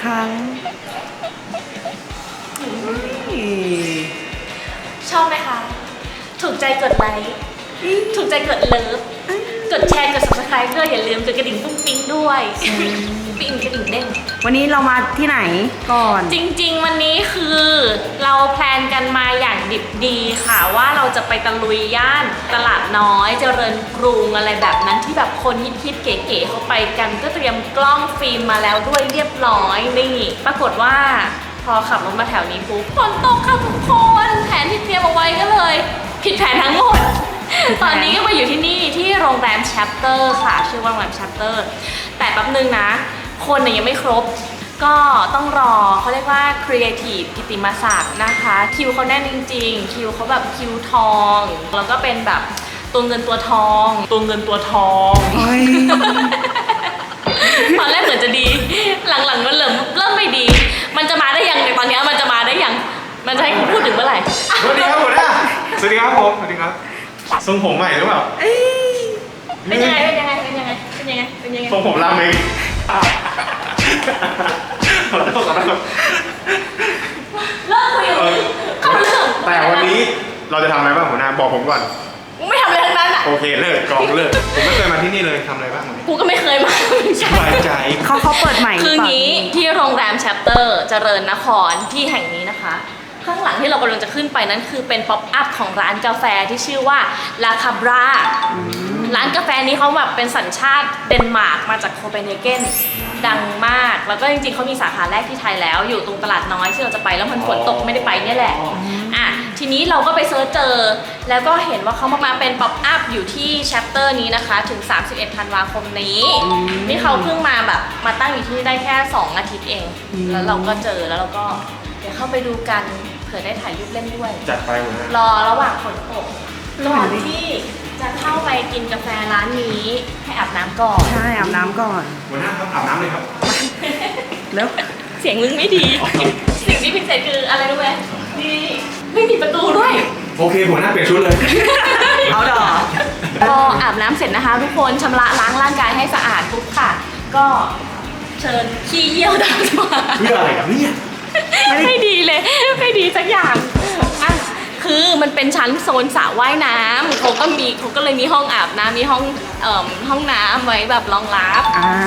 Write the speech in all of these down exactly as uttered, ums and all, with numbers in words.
ครั้งชอบไหมคะถูกใจกดไลค์ถูกใจกดเลิฟกดแชร์กด ซับสไครบ์ ด้วยอย่าลืมกดกระดิ่งปุ้งปิ้งด้วยปิ้งกระดิ่งเด้งวันนี้เรามาที่ไหนก่อนจริงๆวันนี้คือเราแพลนกันมาอย่างดิบดีค่ะว่าเราจะไปตะลุยย่านตลาดน้อยเจริญกรุงอะไรแบบนั้นที่แบบคนฮิตๆเก๋ๆเขาไปกันก็เตรียมกล้องฟิล์มมาแล้วด้วยเรียบร้อยนี่ปรากฏว่าพอขับรถมาแถวนี้ปุ๊บฝนตกค่ะทุกคนแผนที่เตรียมเอาไว้ก็เลยผิดแผนทั้งหมดตอนนี้ก็มาอยู่ที่นี่ที่โรงแรม Chapter ค่ะชื่อว่าโรงแรม Chapter แต่แป๊บนึงนะคนเนี่ยยังไม่ครบก็ต้องรอเขาเรียกว่า Creative กิตติมศักดิ์นะคะคิวเขาแน่นจริงๆคิวเขาแบบคิวทองแล้วก็เป็นแบบตัวเงินตัวทองตัวเงินตัวทองตอนแรกเหมือนจะดีหลังๆมันเริ่มเริ่มไม่ดีมันจะมาได้ยังในตอนนี้มันจะมาได้ยังมันจะให้คุณพูดถึงเมื่อไหร่สวัสดีครับผมนะสวัสดีครับผมสวัสดีครับทรงผมใหม่หรือเปล่าเป็นยังไงเป็นยังไงเป็นยังไงเป็นยังไงเป็นยังไงทรงผมราเมงขอโทษขอโทษเลิกคุยเข้าเรื่องแต่วันนี้เราจะทำอะไรบ้างหัวหน้าบอกผมก่อนไม่ทำอะไรทั้งนั้นอ่ะโอเคเลิกกองเลิกผมไม่เคยมาที่นี่เลยทำอะไรบ้างวันนี้กูก็ไม่เคยมาสบายใจเขาเขาเปิดใหม่คืองี้ที่โรงแรม Chapter เจริญนครที่แห่งนี้นะคะข้างหลังที่เรากำลังจะขึ้นไปนั้นคือเป็นป๊อปอัพของร้านกาแฟที่ชื่อว่าลาคาบราร้านกาแฟนี้เขาแบบเป็นสัญชาติเดนมาร์กมาจากโคเปนเฮเกนดังมากแล้วก็จริงๆเขามีสาขาแรกที่ไทยแล้วอยู่ตรงตลาดน้อยที่เราจะไปแล้วมันฝนตกไม่ได้ไปเนี่ยแหละอ่ะทีนี้เราก็ไปเซิร์ชเจอแล้วก็เห็นว่าเขามาเป็นป๊อปอัพอยู่ที่ Chapter นี้นะคะถึงสามสิบเอ็ดธันวาคมนี้นี่เขาเพิ่งมาแบบมาตั้งอยู่ที่นี่ได้แค่สองอาทิตย์เองแล้วเราก็เจอแล้วเราก็เดี๋ยวเข้าไปดูกันเผื่อได้ถ่ายรูปเล่นด้วยจัดไปหมดนะรอระหว่างฝนตกก่อนที่จะเข้าไปกินกาแฟร้านนี้ให้อาบน้ำก่อนใช่อาบน้ำก่อนหัวหน้าครับอาบน้ำเลยครับแล้วเสียงมึงไม่ดีสิ่งที่พิเศษคืออะไรรู้ไหมนี่ไม่มีประตูด้วยโอเคหัวหน้าเปลี่ยนชุดเลยเอาดอกพออาบน้ำเสร็จนะคะทุกคนชำระล้างร่างกายให้สะอาดปุ๊บค่ะก็เชิญขี้เยี่ยวดำมาเพื่ออะไรครับเนี่ยไม่ดีเลยไม่ดีสักอย่างอ่ะคือมันเป็นชั้นโซนสระว่ายน้ำเขาก็มีเขาก็เลยมีห้องอาบน้ำมีห้องเอ่อห้องน้ำไว้แบบรองรับอ่า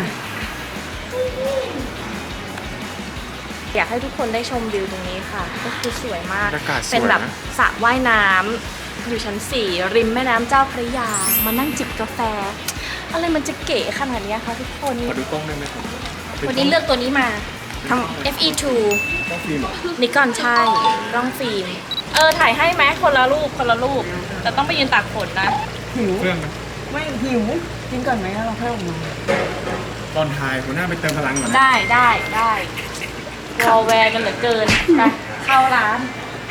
อยากให้ทุกคนได้ชมวิวตรงนี้ค่ะก็คือสวยมากเป็นแบบสระว่ายน้ำอยู่ชั้นสี่ริมแม่น้ำเจ้าพระยามานั่งจิบกาแฟอะไรมันจะเก๋ขนาดนี้คะทุกคนขอดูกล้องได้ไหมครับวันนี้เลือกตัวนี้มาทำ เอฟ อี ทูกล้องฟิล์มนิกอนใช่กล้องฟิล์มเออถ่ายให้ไหมคนละรูปคนละรูปแต่ต้องไปยืนตากฝนนะหิวเครื่องไหมไม่หิวกินก่อนไหมเราเพิ่มมาตอนถ่ายหัวหน้าไปเติมพลังก่อนได้ได้ได้รอแวร์กันเหลือเกินไปเข้าร้าน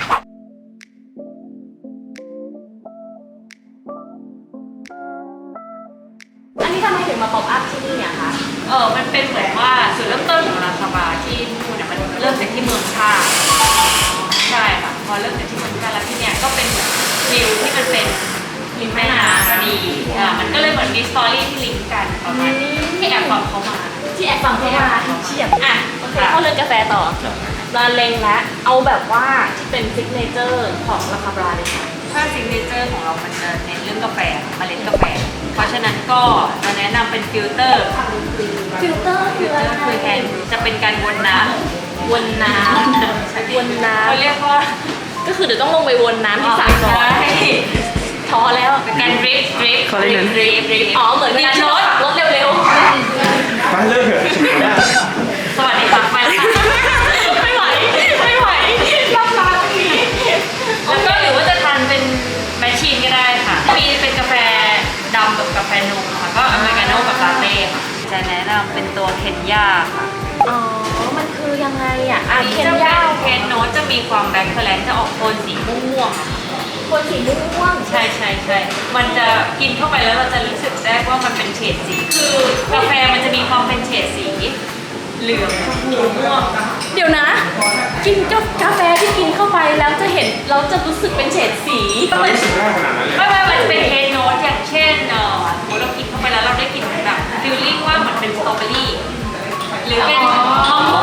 อันนี้ทำไมถึงมาป๊อปอัพที่นี่อะคะเออมันเป็นเหมือนว่าจุดเริ่มต้นของราคาบาที่นู่นเนี่ยมันเริ่มจากที่เมืองท่าใช่ค่ะพอเริ่มจากที่เมืองท่าแล้วที่เนี่ยก็เป็นวิวที่มันเป็นริมแม่น้ำพอดีอ่ามันก็เลยเหมือนมีสตอรี่ที่ลิงก์กันประมาณนี้ที่แอบฟังเขามาที่แอบฟังเขามาเฉียบอ่ะโอเคเข้าเรื่องกาแฟต่อร้านเล็งและเอาแบบว่าที่เป็นซิกเนเจอร์ของราคาบราเลยค่ะถ้าซิกเนเจอร์ของเรามันจะเน้นเรื่องกาแฟเมล็ดกาแฟเพราะฉะนั้นก็จะแนะนำเป็นฟิลเตอร์ฟิลเตอร์ฟิลเตอร์คือแทนจะเป็นการวนน้ำวนน้ำวนน้ำเขาเรียกว่าก็คือเดี๋ยวต้องลงไปวนน้ำที่สระก่อนพอแล้วเป็นการดริฟดริฟดริฟดริฟดริฟอ๋อเหมือนการรถรถเร็วๆไปเลิกเถอะสวัสดีค่ะไปแล้วไม่ไหวไม่ไหวรับร้านนี้แล้วก็หรือว่าจะทานเป็นแมชชีนก็ได้ค่ะมีเป็นกาแฟดำกับกาแฟนมค่ะก็อเมริกาโน่กับลาเต้ค่ะจะแนะนำเป็นตัวเคนยาค่ะอ๋อมันคือยังไงอ่ะอันนี้จะเป็นเคนโนตจะมีความแบล็คแคลนจะออกโทนสีม่วงๆโทนสีม่วงใช่ใช่ใช่มันจะกินเข้าไปแล้วเราจะรู้สึกได้ว่ามันเป็นเฉดสีคือกาแฟมันจะมีความเป็นเฉดสีเหลืองชมพูม่วงเดี๋ยวนะกินกาแฟที่กินเข้าไปแล้วจะเห็นเราจะรู้สึกเป็นเฉดสีไม่รู้สึกได้ขนาดนั้นเลยไม่ไม่มันเป็นเคนโนตอย่างเช่นเออเรากินเข้าไปแล้วเราได้กลิ่นแบบฟีลลิ่งว่าเหมือนเป็นสตรอเบอรี่หรือเป็นมะม่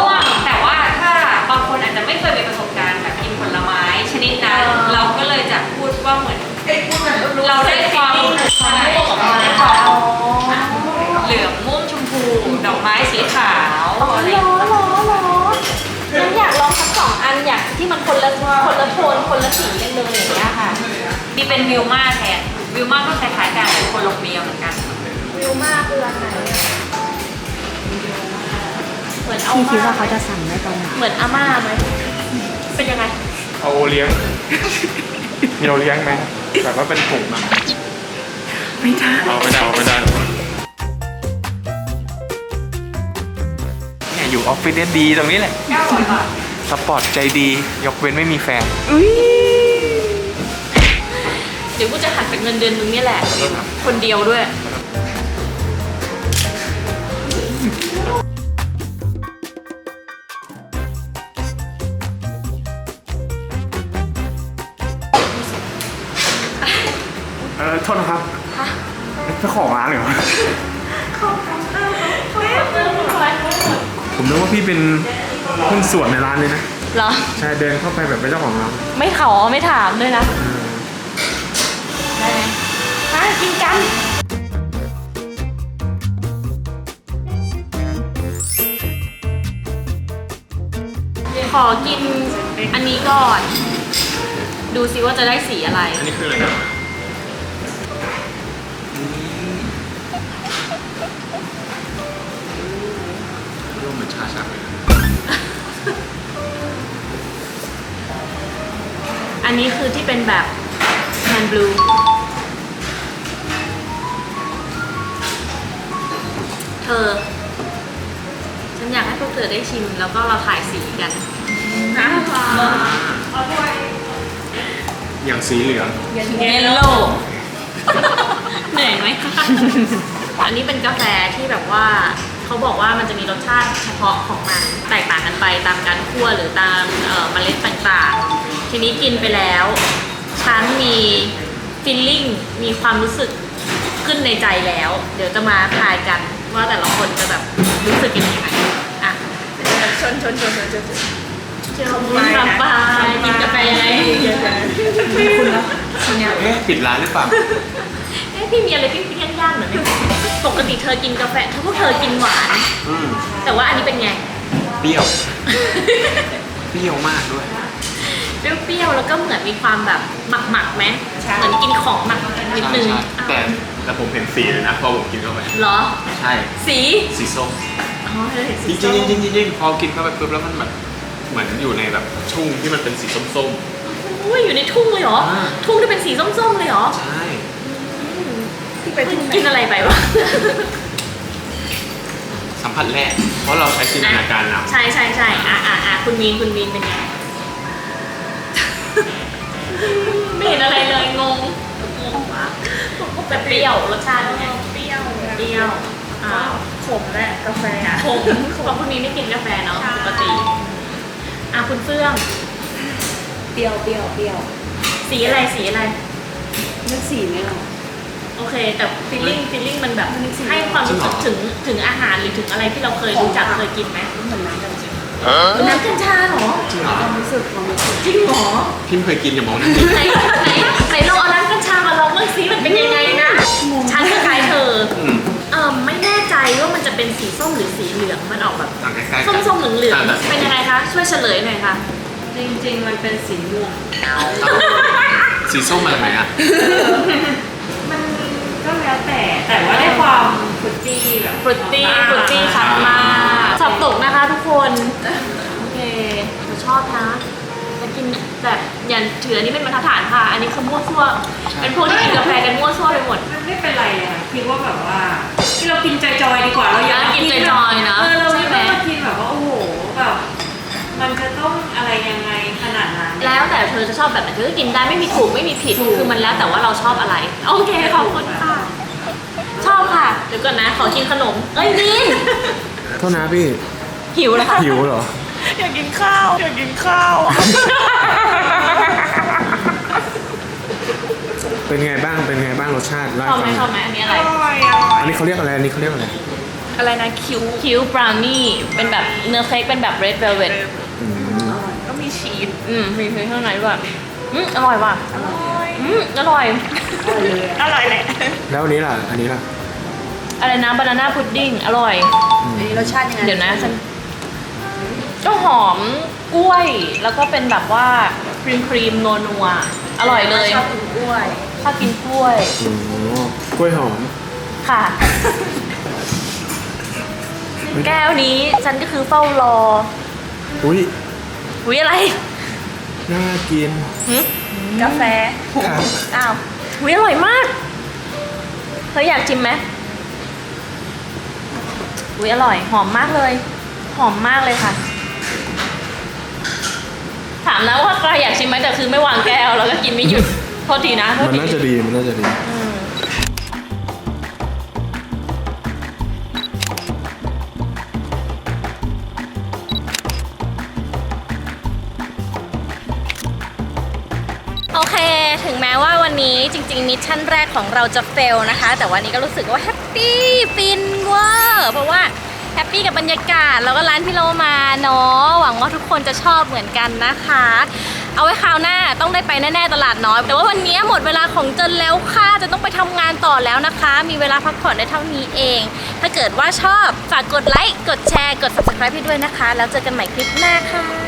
เราได้ความความม่วงออกมาค่ะเหลืองม่วงชมพูดอกไม้สีขาวอะไรอย่างร้เงี้ยอนร้อนร้อนฉันอยากลองทั้งสองอันอยากที่มันคนละคนละโทนคนละสีกันเลยอย่างเงี้ยค่ะนี่เป็นวิวมาแทนวิวมาก็คล้ายๆกันเป็นโคลอมเบียเหมือนกันวิวมากคืออันไหนอะเหมือนเอาพี่คิดม่าว่าเขาจะสั่งได้ตอนไหนเหมือนอาม่าไหมเป็นยังไงเอาโอเลี้ยง มีโอเลี้ยงไหมแบบว่าเป็นถุงนะไม่ได้เอาไม่ได้เอาไม่ได้เนี่ยอยู่ออฟฟิศเนี่ยดีตรงนี้แหละเก้าร้อยบาทสปอร์ตใจดี ยกเว้นไม่มีแฟนอุ้ยเดี๋ยวกูจะหักเป็นเงินเดือนมึงนี่แหละ คนเดียวด้วยเออโทษนะครับเจ้าของร้านเหรอผมนึกว่าพี่เป็นหุ้นส่วนในร้านเลยนะเหรอใช่เดินเข้าไปแบบเป็นเจ้าของร้านไม่ขอไม่ถามด้วยนะ ได้ไหมฮะกินกัน ขอกินอันนี้ก่อน ดูซิว่าจะได้สีอะไรอันนี้คืออะไรนะร่วมเหมือนชาชักเลยอันนี้คือที่เป็นแบบแฮนด์บลู เธอ ฉันอยากให้พวกเธอได้ชิมแล้วก็เราถ่ายสีกันนะอย่างสีเหลืองเยลโล่ เหนื่อยไหมคะ อันนี้เป็นกาแฟที่แบบว่าเขาบอกว่ามันจะมีรสชาติเฉพาะของมันแตกต่างกันไปตามการคั่วหรือตามเอ่อเมล็ดต่างๆ ทีนี้กินไปแล้วฉันมีฟีลลิ่งมีความรู้สึกขึ้นในใจแล้ว เดี๋ยวจะมาทายกันว่าแต่ละคนจะแบบรู้สึกยังไงอ่ะชนชนชนชนชนชนไปไปกินกาแฟยังไงคุณแล้วเนี่ยเอ๊ะปิดร้านหรือเปล่าเอ๊ะพี่มีอะไรพี่พี่ย่างๆหน่อยไหมปกติเธอกินกาแฟถ้าพวกเธอกินหวานอืมแต่ว่าอันนี้เป็นไงเปรี้ยว เปรี้ยวมากด้วยเปรี้ยวๆแล้วก็เหมือนมีความแบบหมักๆไหมเหมือนกินของหมักนิดนึงแต่แต่ผมเห็นสีเลยนะพอผมกินเข้าไปเหรอใช่สีสีส้มอ๋อเธอเห็นจสีริงส้มจริงจริงจริงพอกินเข้าไปปุ๊บแล้วมันแบบเหมือนอยู่ในแบบชุ่งที่มันเป็นสีส้มอุ้ยอยู่ในทุ่งเลยเหรออ่าทุ่งที่เป็นสีส้มๆเลยเหรอๆ ใช่ที่ไปที่ไหนกินอะไรไปวะสัมผัสแรก เพราะเราใช้จินตนาการเอาใช่ใช่ใช่อ่ะอ่ะอ่ะคุณมีนคุณมีนเป็นไง ไม่เห็นอะไรเลยงงงงมากแต่เปรี้ยวรสชาติเป็นไงเปรี้ยวเปรี้ยวอ่าขมแหละกาแฟผมเพราะคุณมีนไม่กินกาแฟเนาะปกติอ่ะคุณเฟื่องเปรี้ยวเปรี้ยวเปรี้ยวสีอะไรสีอะไรนึกสีไม่ออกโอเค แต่ฟีลลิ่งฟีลลิ่งมันแบบให้ความรู้สึกถึงถึงอาหารหรือถึงอะไรที่เราเคยรู้จักเคยกินไหมเหมือนน้ำกัญชาน้ำกัญชาเหรอจริงเหรอความรู้สึกความรู้สึกจริงเหรอพี่ไม่เคยกินอย่ามองนั่นดิไหนไหนไหนลองเอาน้ำกัญชามาลองเมื่อซิมันเป็นยังไงนะฉันคล้ายๆเธออืมเออไม่แน่ใจว่ามันจะเป็นสีส้มหรือสีเหลืองมันออกแบบต่างใกล้ๆกันส้มๆเหลืองต่าๆเป็นยังไงคะช่วยเฉลยหน่อยค่ะจริงๆ มันเป็นสีม่วงสีส้มมาจากไหนอ่ะมันก็แล้วแต่แต่ว่าได้ความฟรุตตี้แบบฟรุตตี้ฟรุตตี้ชัดมากสอบตกนะคะทุกคน โอเคหนูชอบนะแต่กินแบบอย่าถืออันนี้เป็นบรรทัดฐานค่ะ อันนี้คือมั่วซั่วใช่เป็นพวกที่กินกาแฟกันมั่วซั่วไปหมดมันไม่เป็นไรเลยค่ะคิดว่าแบบว่าที่เรากินจอยๆดีกว่าเราอยากกินจอยๆนะเออเราใช่ไม่ไหมต้องมากินแบบว่าโอ้โหแบบมันจะต้องอะไรยังไงขนาดนั้นแล้วแต่เธอจะชอบแบบไหนเธอก็กินได้ไม่มีถูกไม่มีผิดคือมันแล้วแต่ว่าเราชอบอะไร โอเคขอบคุณค่ะ ชอบค่ะ เดี๋ยวก่อนนะ ขอกินขนม เอ้ยนินโทษนะพี่หิวแล้วค่ะหิวเหรออยากกินข้าวอยากกินข้าวเป็นไงบ้าง เป็นไงบ้างรสชาติชอบไหมชอบไหมอันนี้อะไรอร่อยอร่อยอันนี้เขาเรียกอะไร อันนี้เขาเรียกอะไรอะไรนะคิวคิวบราวนี่เป็นแบบเนื้อเค้กเป็นแบบเรดเวลเวทอืมก็มีชีสอืมมีเค้กข้างในด้วยอืมอร่อยว่ะอร่อยอืมอร่อยอร่อยแหละแล้วอันนี้ล่ะ อันนี้ล่ะอะไรนะบานาน่าพุดดิ้งอร่อยอันนี้รสชาติยังไงเดี๋ยวนะฉันก็หอมกล้วย แล้วก็เป็นแบบว่าครีมครีมนัวนัวๆอร่อยเลยชอบกินกล้วยชอบกินกล้วยโอ้กล้วยหอมค่ะ แก้วนี้ฉันก็คือเฝ้ารออุ้ยอุ้ยอะไรน่ากินหึกาแฟครับอ้าวอุ้ยอร่อยมากเธออยากชิมไหมอุ้ยอร่อยหอมมากเลย หอมมากเลยค่ะ ถามนะว่าใครอยากชิมไหมแต่คือไม่วางแก้วแล้วก็กินไม่หยุดโทษทีนะโทษมันทีน่าจะดี มันน่าจะดีอืมโอเค ถึงแม้ว่าวันนี้จริงๆมิชชั่นแรกของเราจะเฟลนะคะ แต่วันนี้ก็รู้สึกว่าแฮปปี้ฟินเวอร์เพราะว่าแฮปปี้กับบรรยากาศแล้วก็ร้านที่เรามาเนาะหวังว่าทุกคนจะชอบเหมือนกันนะคะ เอาไว้คราวหน้าต้องได้ไปแน่ๆตลาดน้อยแต่ว่าวันนี้หมดเวลาของเจนแล้วค่ะจะต้องไปทำงานต่อแล้วนะคะ มีเวลาพักผ่อนได้เท่านี้เอง ถ้าเกิดว่าชอบฝากกดไลค์กดแชร์กด ซับสไครบ์ ให้ด้วยนะคะ แล้วเจอกันใหม่คลิปหน้าค่ะ